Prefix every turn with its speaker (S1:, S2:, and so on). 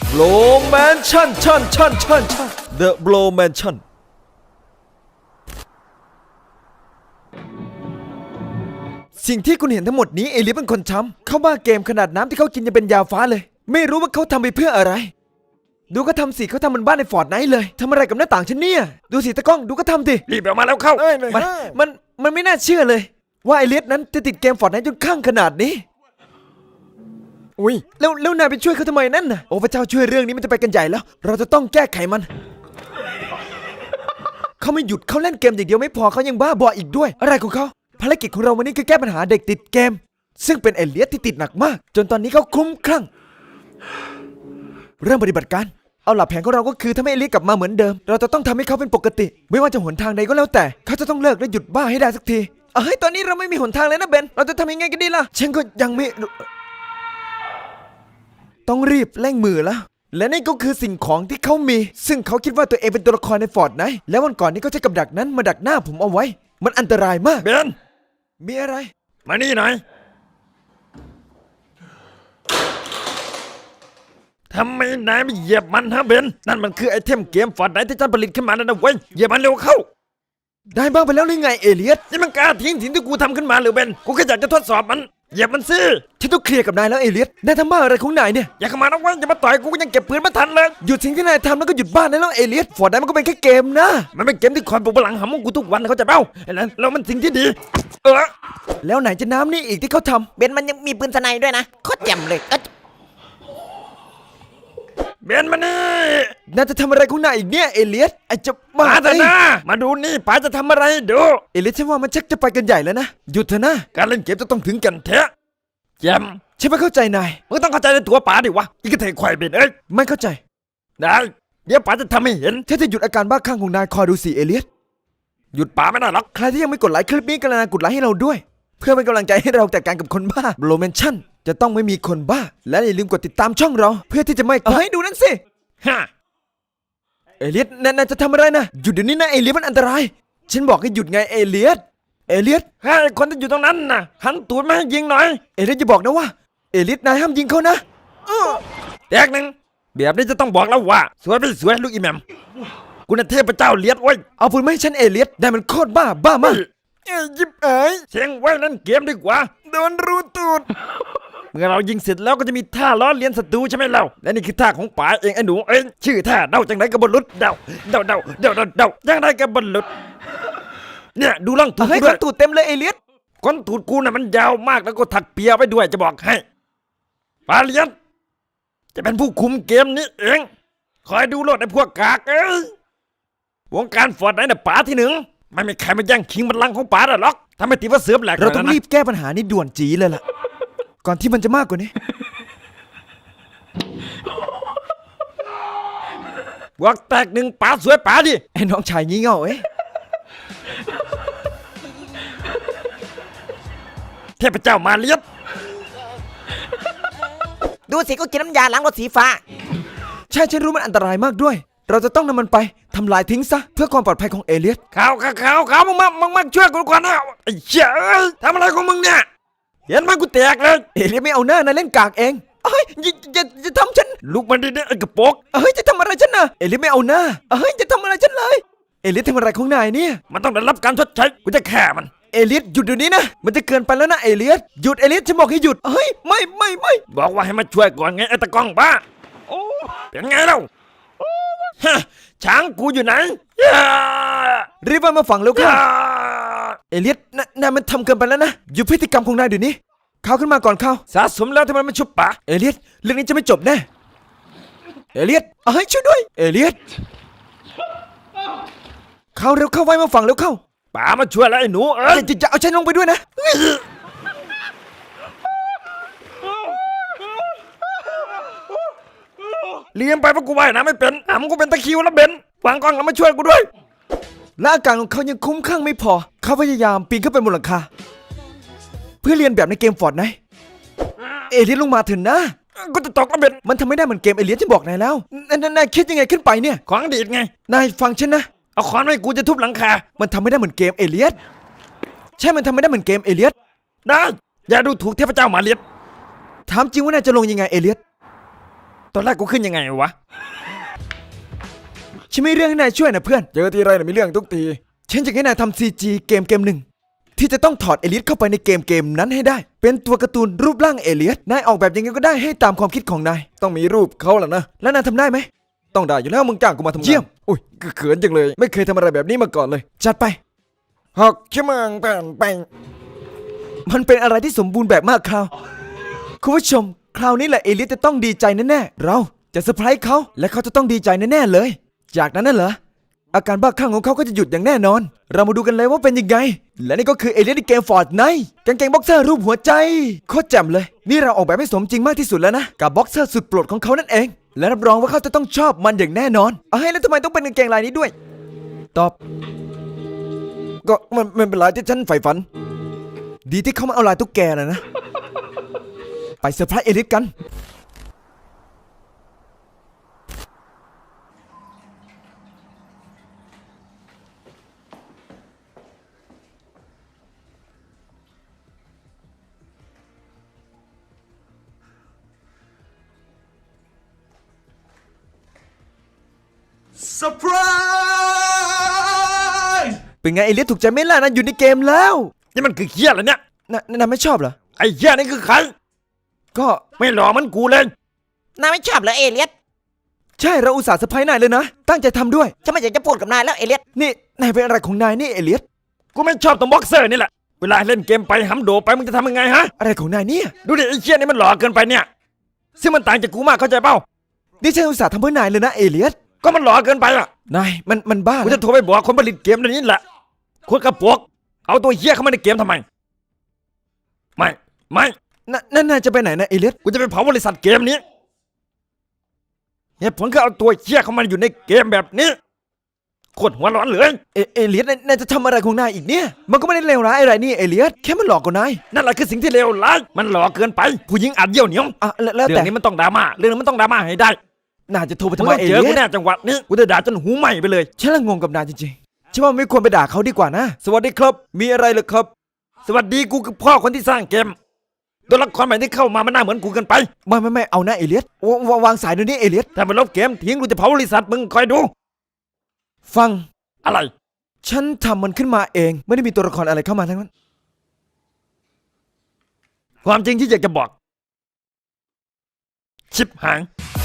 S1: Blow Mansion The Blow Mansion สิ่งที่คุณเห็นทั้งหมดนี้เอลิสเป็นคนทำเขาบ้าเกมขนาดน้ำที่เขากินจะเป็นยาฟ้าเลยไม่รู้ว่าเขาทำไปเพื่ออะไรดูก็ทำสิเขาทำมันบ้านในฟอร์ตไนท์เลยทำอะไรกับหน้าต่างฉันเนี่ยดูสิตะก้องดูก็ทำสิ
S2: รีบออกมาแล้วเข้า
S1: มันไม่น่าเชื่อเลยว่าเอลิสนั้นจะติดเกมฟอร์ตไนท์จนข้างขนาดนี้อุ้ยแล้วนายไปช่วยเขาทำไมนั่นน่ะโอ้พระเจ้าช่วยเรื่องนี้มันจะไปกันใหญ่แล้วเราจะต้องแก้ไขมันเขาไม่หยุดเขาเล่นเกมอย่างเดียวไม่พอเขายังบ้าบออีกด้วยอะไรของเขาภารกิจของเราวันนี้คือแก้ปัญหาเด็กติดเกมซึ่งเป็นเอลิสที่ติดหนักมากจนตอนนี้เขาคลุ้มคลั่งเริ่มปฏิบัติการเอาหลักแผนของเราก็คือถ้าไม่เอลิสกลับมาเหมือนเดิมเราจะต้องทำให้เขาเป็นปกติไม่ว่าจะหนทางใดก็แล้วแต่เขาจะต้องเลิกและหยุดบ้าให้ได้สักทีตอนนี้เราไม่มีหนทางเลยนะเบนเราจะทำยังไงกันดีล่ะฉันก็ยังไม่ต้องรีบเร่งมือแล้วและนี่ก็คือสิ่งของที่เขามีซึ่งเขาคิดว่าตัวเองเป็นตัวละครในฟอร์ตไนท์แล้ววันก่อนนี้ก็ใช้กับดักนั้นมาดักหน้าผมเอาไว้มันอันตรายมาก
S2: เบน
S1: มีอะไร
S2: มานี่หน่อยทำไมนายไม่เหยียบมันฮะเบนนั่นมันคือไอเทมเกมฟอร์ตไนท์ที่ฉันผลิตขึ้นมานั่นนะเว้ยเหยียบมันเร็วเข้า
S1: ได้บ้างไปแล้วหรือไงเอเลียส
S2: นี่มันกล้าทิ้งสิ่งที่กูทำขึ้นมาหรือเบนกูแค่อยากจะทดสอบมันเหยียบมันสิ
S1: ฉันต้องเคลียร์กับนายแล้วเอเลียสนายทำบ้าอะไรของนายเนี่ย
S2: อย่าเข้ามานะเว้ยอย่ามาต่อยกูก็ยังเก็บปืนไม่ทันเลย
S1: หยุดสิ่งที่นายทำแล้วก็หยุดบ้านได้แล้วเอเลียสฟอร์ตไนท์มันก็เป็นแค่เกมนะ
S2: มันเป็นเกมที่คอยปลุกพลังหำของกูทุกวันเขาจะเบ้าแล้วมันสิ่งที่ดี
S1: แล้วไหนจะน้ำนี่อีกที่เขาทำ
S3: เบนมันยังมีปืนสไนด้วยนะโคตรแจ่มเลย
S2: เบนมานี่
S1: นายจะทำอะไรของนายอีกเนี่ยเอเลียสไอจะบ้า
S2: เถอะนะมาดูนี่ป๋าจะทำอะไรดู
S1: เอเลียสฉันว่ามันชักจะไปกันใหญ่แล้วนะหยุดเถอะนะ
S2: การเล่นเกมจะต้องถึงกันแท้แจ่ม
S1: ฉันไม่เข้าใจนาย
S2: มึงต้องเข้าใจในตัวป๋าดิวะอีกระเทยควายเบน
S1: ไม่เข้าใจ
S2: ได้เดี๋ยวป๋าจะทำให้เห็น
S1: ถ้าจะหยุดอาการบ้าคลั่งของนายคอยดูสิเอเลียส
S2: หยุดป๋าไม่ได้หรอก
S1: ใครที่ยังไม่กดไลค์คลิปนี้กรุณากดไลค์ให้เราด้วยเพื่อเป็นกำลังใจให้เราจัดการกับคนบ้าโบลเมนชั่นจะต้องไม่มีคนบ้าและอย่าลืมกดติดตามช่องเราเพื่อที่จะไม่ดูนั่นสิ
S2: ฮะ
S1: เอเลียสนายจะทำอะไรนะหยุดเดี๋ยวนี้นะเอเลียสมันอันตรายฉันบอกให้หยุดไงเอเลียส
S2: ให้คนที่อยู่ตรงนั้นน่ะหันตูดมาให้ยิงหน่อย
S1: เอเลียสจะบอกนะว่าเอเลียสนายห้ามยิงเขานะ
S2: แตกหนึ่งแบบนี้จะต้องบอกแล้วว่าสวยไม่สวยลูกอีแมมกูน่ะเทพเจ้าเลียดไว้
S1: เอาปืนมาให้ฉันเอเลียสได้มันโคตรบ้ามาก
S2: ยิบเสียงไว้นั่นเกมดีกว่า
S1: โดนรูตูด
S2: เมื่อเรายิงเสร็จแล้วก็จะมีท่าล้อเลียนศัตรูใช่ไหมเราและนี่คือท่าของป๋าเองไอ้หนูชื่อท่าเดาจังไรกับบอลลุดเดาจังไรกับบอลลุดเนี่ยดูล่องตูด
S1: ด้วยตูดเต็มเลยเอเลียส
S2: ก้นตูดกูน่ะมันยาวมากแล้วก็ถักเปียไว้ด้วยจะบอกให้ป๋าเลียนจะเป็นผู้คุมเกมนี้เองคอยดูโลดไอ้พวกกากวงการฟอร์ตไนท์น่ะป๋าที่หนึ่งไม่มีใครมาแย่งชิงบัลลังก์ของป๋าได้หรอกถ้าไม่ตีว่าเสือแหลก
S1: เราต้องรีบแก้ปัญหานี้ด่วนจีเลยล่ะก่อนที่มันจะมากกว่านี้
S2: บวกแตกหนึ่งป๋าสวยป๋าดิ
S1: ไอ้น้องชายงี้เง่า
S2: เทพเจ้ามาเลียด
S3: ดูสิก็กินน้ำยาล้างรถสีฟ้า
S1: ใช่ฉันรู้มันอันตรายมากด้วยเราจะต้องนำมันไปทำลายทิ้งซะเพื่อความปลอดภัยของเอเลียส
S2: ข่าวมึงมาช่วยกูก่อนนะไอ้เจ้าทำอะไรของมึงเนี่ยเห็นไหมกูแตกเลย
S1: เอเลียสไม่เอาหน้านะเล่นกากเองจะทำฉัน
S2: ลุกมันดิเนี่ยไอ้กระโปง
S1: จะทำอะไรฉันนะเอเลียสไม่เอาหน้าจะทำอะไรฉันเลยเอเลียสทำอะไรของนายเนี่ย
S2: มันต้องได้รับการชดใช้กูจะแค่มัน
S1: เอเลียสหยุดเดี๋ยวนี้นะมันจะเกินไปแล้วนะเอเลียสหยุดเอเลียสฉันบอกให้หยุดไม่
S2: บอกว่าให้มาช่วยก่อนไงไอ้ตะก้องบ้าเป็นไงเล่าช้างกูอยู่ไหน
S1: รีบมาฝังแล้วค่ะเอเลียสนายมันทำเกินไปแล้วนะหยุดพฤติกรรมของนายเดี๋ยวนี้เข้าขึ้นมาก่อนเข้า
S2: สะสมแล้วทำไมไม่ชุบปะ
S1: เอเลียสเรื่องนี้จะไม่จบแน่เอเลียสช่วยด้วยเอเลียสเข้าเร็วเข้าไว้มาฝังเร็วเข้า
S2: ป๋ามาช่วยแล้วไอ้หนู
S1: จะเอาฉันลงไปด้วยนะ
S2: เลี้ยงไปเพราะกูว่ายน้ำไม่เป็นกูเป็นตะคิวแล้วเบนวางกล้องแล้วมาช่วยกูด้วย
S1: และอาการของเขายังคุ้มข้างไม่พอเขาพยายามปีนขึ้นไปบนหลังคาเพื่อเรียนแบบในเกมฟอร์ตไนท์เอเลียสลงมาถึงนะ
S2: กูจะตกแล้วเบน
S1: มันทำไม่ได้เหมือนเกมเอเลียสที่บอกนายแล้วนายคิดยังไงขึ้นไปเนี่ย
S2: ของดีดไง
S1: นายฟังฉันนะ
S2: เอาค้อนไว้กูจะทุบหลังคา
S1: มันทำไม่ได้เหมือนเกมเอเลียสใช่มันทำไม่ได้เหมือนเกมเอเลียส
S2: ได้อย่าดูถูกเทพเจ้ามาเลียด
S1: ถามจริงว่านายจะลงยังไงเอเลียส
S2: ตอนแรกกูขึ้นยังไงวะ
S1: ฉันมีเรื่องให้นายช่วยนะเพื่อน
S2: เจอทีไรมีเรื่องทุกที
S1: ฉันจะให้นายทำ CG เกมหนึ่งที่จะต้องถอดเอเลียสเข้าไปในเกมนั้นให้ได้ เป็นตัวการ์ตูนรูปร่างเอเลียสนายออกแบบยังไงก็ได้ให้ตามความคิดของนาย
S2: ต้องมีรูปเขาแหละนะ
S1: แล้วนายทำได้ไหม
S2: ต้องได้อยู่แล้วมึงจ้างกูมาทำงาน
S1: เยี่ยม
S2: อุ้ยเขินจังเลย ไม่เคยทำอะไรแบบนี้มาก่อนเลย
S1: จัดไป
S2: หกชั่วโมงผ่านไป
S1: มันเป็นอะไรที่สมบูรณ์แบบมากคราวคุณผู้ชม คราวนี้แหละเอเลียสจะต้องดีใจแน่ๆเราจะเซอร์ไพรส์เขาและเขาจะต้องดีใจแน่ๆเลย จากนั้นน่ะเหรออาการบ้าคลั่งของเขาก็จะหยุดอย่างแน่นอน เรามาดูกันเลยว่าเป็นยังไง และนี่ก็คือเอเลียสในเกมฟอร์ดไนท์กางเกงบ็อกเซอร์รูปหัวใจโคตรแจ่มเลยนี่เราออกแบบให้สมจริงมากที่สุดแล้วนะกับบ็อกเซอร์สุดโปรดของเขานั่นเอง และรับรองว่าเขาจะต้องชอบมันอย่างแน่นอนเอาให้แล้วทำไมต้องเป็นกางเกงลายนี้ด้วย ตอบ
S2: ก็มันเป็นลายที่ฉันใฝ่ฝัน
S1: ดีที่เขามาเอาลายตุ๊กแกนะ ไปเซอร์ไพรส์เอเลียสกัน เป็นไงเอเลียสถูกใจไหมล่ะนั่นอยู่ในเกมแล้ว
S2: นี่มันคือเหี้ยอะไรเนี่ย
S1: นายไม่ชอบเหรอ
S2: ไอ้เหี้ยนี่คือใคร
S1: ก็
S2: ไม่หล่อเหมันกูเลย
S3: นายไม่ชอบเหรอเอเลียส
S1: ใช่เราอุตส่าห์เซอร์ไพรส์นายเลยนะ ตั้งใจทำด้วย
S3: ฉันไม่อยากจะพูดกับนายแล้วเอเลียส
S1: นี่นายเป็นอะไรของนายนี่เอเลียส
S2: กูไม่ชอบตรงบ็อกเซอร์นี่แหละ เวลาเล่นเกมไปหำโดไปมึงจะทำยังไงฮะ
S1: อะไรของนายเนี่ย
S2: ดูดิไอ้เหี้ยนี่มันหล่อเกินไปเนี่ย ซึ่งมันต่างจากกูมากเข้าใจเปล่า
S1: นี่ฉันอุตส่าห์ทำเพื่อนายเลยนะเอเลียส
S2: ก็มันหล่อเกินไปอ่ะ
S1: นายมันบ้า
S2: กู
S1: นะ
S2: จะโทรไปบอกคนผลิตเกมเดี๋ยวนี้แหละคนกระปวกเอาตัวเหี้ยเข้ามาในเกมทำไม ไม่
S1: นั่นนายจะไปไหนนะเอเลียส
S2: กูจะไปเผาบริษัทเกมนี้เหตุผลคือเอาตัวเหี้ยเข้ามาอยู่ในเกมแบบนี้โคตรหัวร้อนเลย
S1: เอเลียสนายจะทำอะไรของนายอีกเนี่ย มันก็ไม่ได้เลวร้ายอะไรนี่เอเลียสแค่มันหลอกกว่านาย
S2: นั่นแหละคือสิ่งที่เลวร้ายมันหล่อเกินไป ผู้หญิงอัดเยี่ยวเหนียว
S1: อ่ะแล้ว
S2: เรื่
S1: แต่
S2: องนี้มันต้องดราม่าเรื่องนี้มันต้องดราม่าให้ได้
S1: นายจะโทรไป
S2: มึ
S1: ทำ
S2: ง
S1: ไม
S2: ต้อง
S1: เอ
S2: เจอ
S1: เลี
S2: กู
S1: ยส
S2: แน่จังหวะนี้กูจะด่าจนหูไหม้ไปเลย
S1: ฉันละงงกับนายจริงๆฉันว่าไม่ควรไปด่าเขาดีกว่านะ
S2: สวัสดีครับ มีอะไรเหรอครับ สวัสดีกูคือพ่อคนที่สร้างเกมตัวละครใหม่ที่เข้ามามันน่าเหมือนกูเกินไป
S1: ไม่เอานะเอเลียสวางสายเดี๋ยวนี้เอเลียส
S2: ถ้ามันลบเกมทิ้งกูจะเผาบริษัทมึงคอยดู
S1: ฟัง
S2: อะไร
S1: ฉันทำมันขึ้นมาเองไม่ได้มีตัวละครอะไรเข้ามาทั้งนั้น
S2: ความจริงที่อยากจะบอก ชิบหาย